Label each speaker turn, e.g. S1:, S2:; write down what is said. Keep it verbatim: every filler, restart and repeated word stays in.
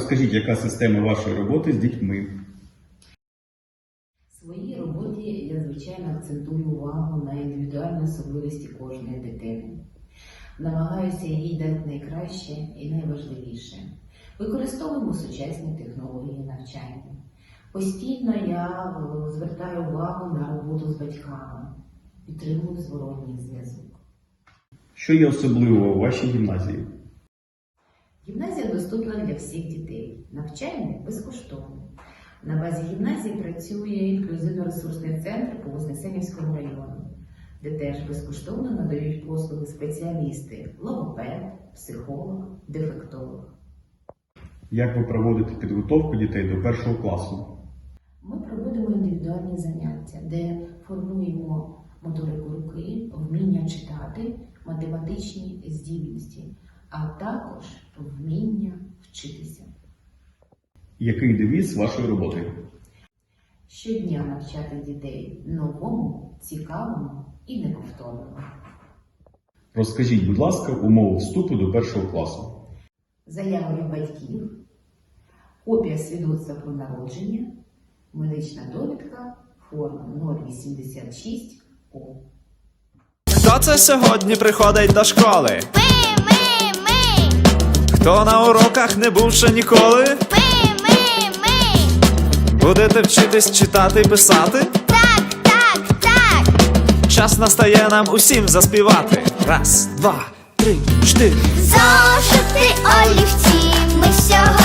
S1: розкажіть, яка система вашої роботи з дітьми?
S2: В своїй роботі я, звичайно, акцентую увагу на індивідуальні особливості кожної дитини. Намагаюся їй дати найкраще і найважливіше. Використовуємо сучасні технології навчання. Постійно я звертаю увагу на роботу з батьками, підтримую зворотній зв'язок.
S1: Що є особливого у вашій гімназії?
S2: Гімназія доступна для всіх дітей. Навчання безкоштовне. На базі гімназії працює інклюзивно-ресурсний центр по Вознесенівському району, де теж безкоштовно надають послуги спеціалісти – логопед, психолог, дефектолог.
S1: Як ви проводите підготовку дітей до першого класу?
S2: Ми проводимо індивідуальні заняття, де формуємо моторику руки, вміння читати, математичні здібності, а також вміння вчитися.
S1: Який девіз вашої роботи?
S2: Щодня навчати дітей новому, цікавому і неповторному.
S1: Розкажіть, будь ласка, умови вступу до першого класу.
S2: Заява від батьків, копія свідоцтва про народження, медична довідка, форма нуль вісімдесят шість О.
S3: Хто це сьогодні приходить до школи?
S4: Ми, ми, ми,
S3: Хто на уроках не був ще ніколи?
S4: ми, ми, ми.
S3: Будете вчитись читати і писати?
S4: Так, так, так.
S3: Час настає нам усім заспівати. Раз, два, три, чотири.
S4: Зошити олівці ми сьогодні